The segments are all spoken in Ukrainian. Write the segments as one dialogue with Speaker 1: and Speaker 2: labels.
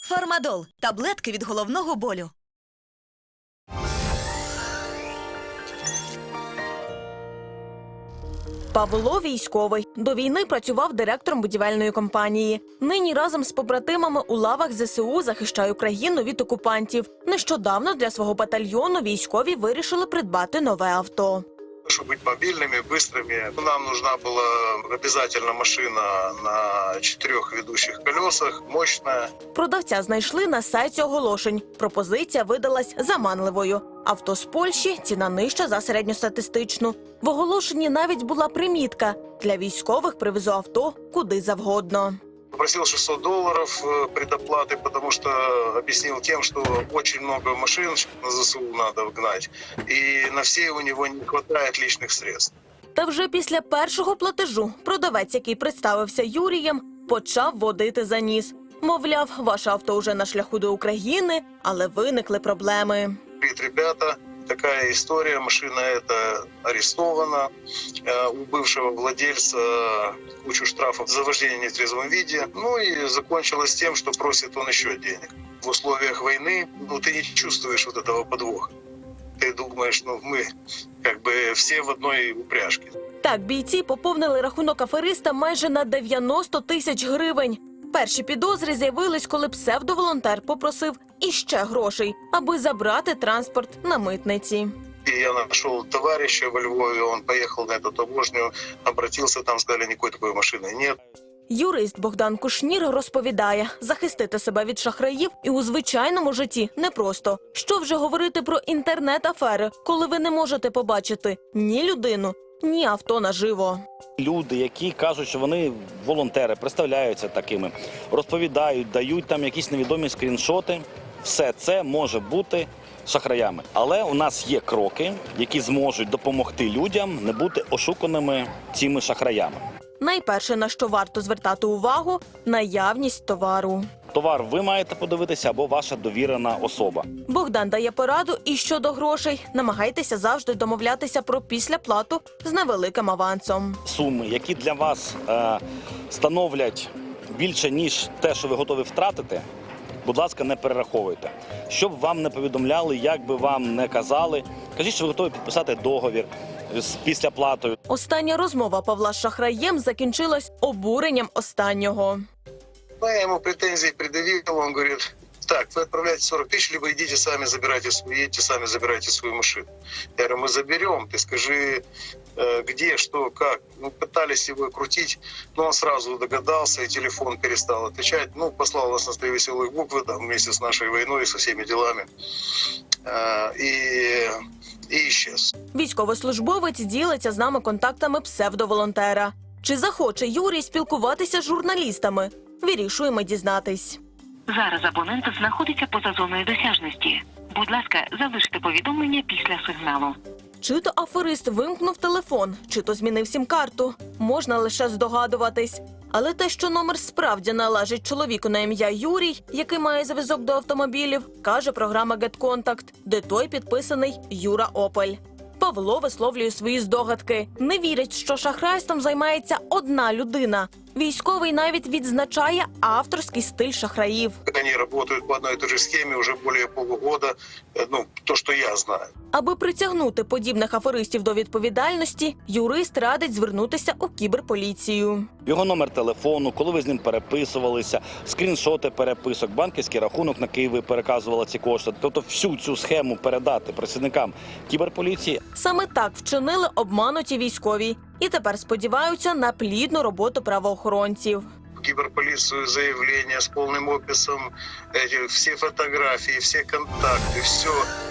Speaker 1: Фармадол – таблетки від головного болю.
Speaker 2: Павло військовий. До війни працював директором будівельної компанії. Нині разом з побратимами у лавах ЗСУ захищає Україну від окупантів. Нещодавно для свого батальйону військові вирішили придбати нове авто.
Speaker 3: Чтобы быть мобильными, быстрыми, нам нужна была обязательно машина на 4 ведущих колесах, мощная.
Speaker 2: Продавця знайшли на сайті оголошень. Пропозиція видалась заманливою. Авто з Польщі, ціна нижча за середньостатистичну. В оголошенні навіть була примітка – для військових привезу авто куди завгодно.
Speaker 3: Попросил $600 предоплаты, потому что объяснил тем, что очень много машин на ЗСУ надо гнать, и на все у него не хватает личных средств.
Speaker 2: Та вже після першого платежу продавець, який представився Юрієм, почав водити за ніс. Мовляв, ваше авто вже на шляху до України, але виникли проблеми.
Speaker 3: Говорит, ребята, такая история, машина эта арестована, у бывшего владельца кучу штрафов за вождение в нетрезвом виде, ну и закончилось тем, что просит он еще денег. В условиях войны, ты не чувствуешь вот этого подвоха. Ты думаешь, мы как бы все в одной упряжке.
Speaker 2: Так, бійці поповнили рахунок афериста майже на 90 тисяч гривень. Перші підозри з'явились, коли псевдоволонтер попросив іще грошей, аби забрати транспорт на митниці.
Speaker 3: Я нашел товарища во Львове, он поехал на эту таможню, обратился, там сказали, никакой такой машины нет.
Speaker 2: Юрист Богдан Кушнір розповідає, захистити себе від шахраїв і у звичайному житті непросто. Що вже говорити про інтернет-афери, коли ви не можете побачити ні людину, ні авто наживо.
Speaker 4: Люди, які кажуть, що вони волонтери, представляються такими, розповідають, дають там якісь невідомі скріншоти, все це може бути шахраями. Але у нас є кроки, які зможуть допомогти людям не бути ошуканими цими шахраями.
Speaker 2: Найперше, на що варто звертати увагу – наявність товару.
Speaker 4: Товар ви маєте подивитися або ваша довірена особа.
Speaker 2: Богдан дає пораду і щодо грошей. Намагайтеся завжди домовлятися про післяплату з невеликим авансом.
Speaker 4: Суми, які для вас становлять більше, ніж те, що ви готові втратити, будь ласка, не перераховуйте. Щоб вам не повідомляли, як би вам не казали, кажіть, що ви готові підписати договір з післяплатою.
Speaker 2: Остання розмова Павла з шахраєм закінчилась обуренням останнього.
Speaker 3: Я ему претензии предъявил, он говорит, так, вы отправляете 40 тысяч, либо едете сами забирайте свою машину. Я говорю, мы заберем, ты скажи, где, что, как. Пытались его крутить, но он сразу догадался, и телефон перестал отвечать. Послал нас на 3 веселых буквы, вместе с нашей войной, со всеми делами, и исчез.
Speaker 2: Військовослужбовець ділиться з нами контактами псевдоволонтера. Чи захоче Юрій спілкуватися з журналістами? Вирішуємо дізнатись.
Speaker 5: Зараз абонент знаходиться поза зоною досяжності. Будь ласка, залиште повідомлення після сигналу.
Speaker 2: Чи то аферист вимкнув телефон, чи то змінив сім-карту. Можна лише здогадуватись. Але те, що номер справді належить чоловіку на ім'я Юрій, який має зв'язок до автомобілів, каже програма GetContact, де той підписаний Юра Опель. Павло висловлює свої здогадки. Не вірить, що шахрайством займається одна людина. Військовий навіть відзначає авторський стиль шахраїв.
Speaker 3: Вони працюють по одній і тій ж схемі вже більше полугода, то, що я знаю.
Speaker 2: Аби притягнути подібних аферистів до відповідальності, юрист радить звернутися у кіберполіцію.
Speaker 4: Його номер телефону, коли ви з ним переписувалися, скріншоти переписок, банківський рахунок, на який ви переказували ці кошти. Тобто всю цю схему передати працівникам кіберполіції.
Speaker 2: Саме так вчинили обмануті військові. І тепер сподіваються на плідну роботу правоохоронців.
Speaker 3: В киберполицию заявление с полным описом, все фотографии, все контакты, все.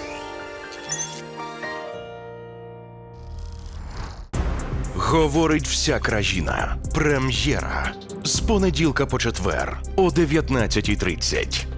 Speaker 6: Говорить вся країна. Прем'єра. З понеділка по четвер о 19:30.